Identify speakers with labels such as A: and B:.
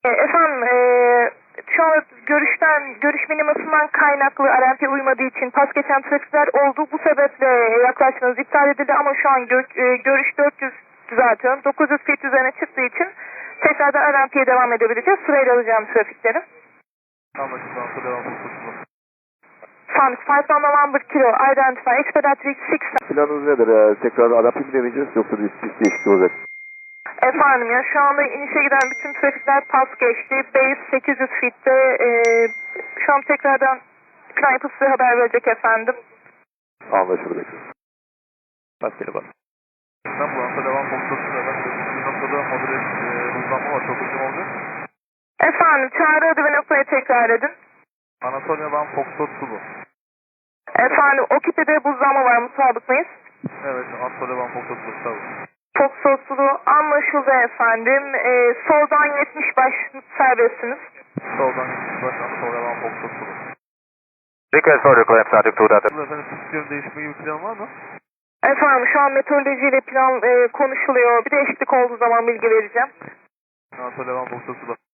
A: Efendim, şu an görüş minimasından kaynaklı RMP uymadığı için pas geçen trafikler oldu. Bu sebeple yaklaşmanız iptal edildi ama şu an görüş 400 düzeltiyorum. 900 feet üzerine çıktığı için tekrardan RMP'ye devam edebileceğiz. Sırayla alacağım trafikleri.
B: Anlaşılan devam kurtulsun.
A: Farms 5 November Kilo, identify, expedite reach 6.
C: Planınız nedir? Tekrar RMP mi deneyeceğiz yoksa bir pist değişikliği olacak?
A: Efendim ya şu anda inişe giden bütün trafikler pas geçti. Base 800 feet'te. Şu an tekrardan plan yapıp size haber verecek efendim.
C: Anlaşıldı.
B: Rastgele bas. İstanbul'da devam kurtulsun. Bir noktada modüle hızlanma var. Çok uzun olacak.
A: Efendim çağrı adı ve noktayı tekrar edin.
B: Anatolia Van Foxtrot Sulu.
A: Efendim o kitlede buzlanma var, mutabık mıyız?
B: Evet, Anatolia Van Foxtrot Sulu. Tabii.
A: Çok soslu anlaşıldı efendim. Soldan 70 baş serbestsiniz.
B: Soldan gitmiş baş Anatolia Van Foxtrot Sulu.
C: Request for reclaim static to data.
B: Efendim pist yönü değişme gibi plan var mı?
A: Efendim şu an meteorolojiyle plan konuşuluyor. Bir değişiklik olduğu zaman bilgi vereceğim.
B: Anatolia Van Foxtrot Sulu.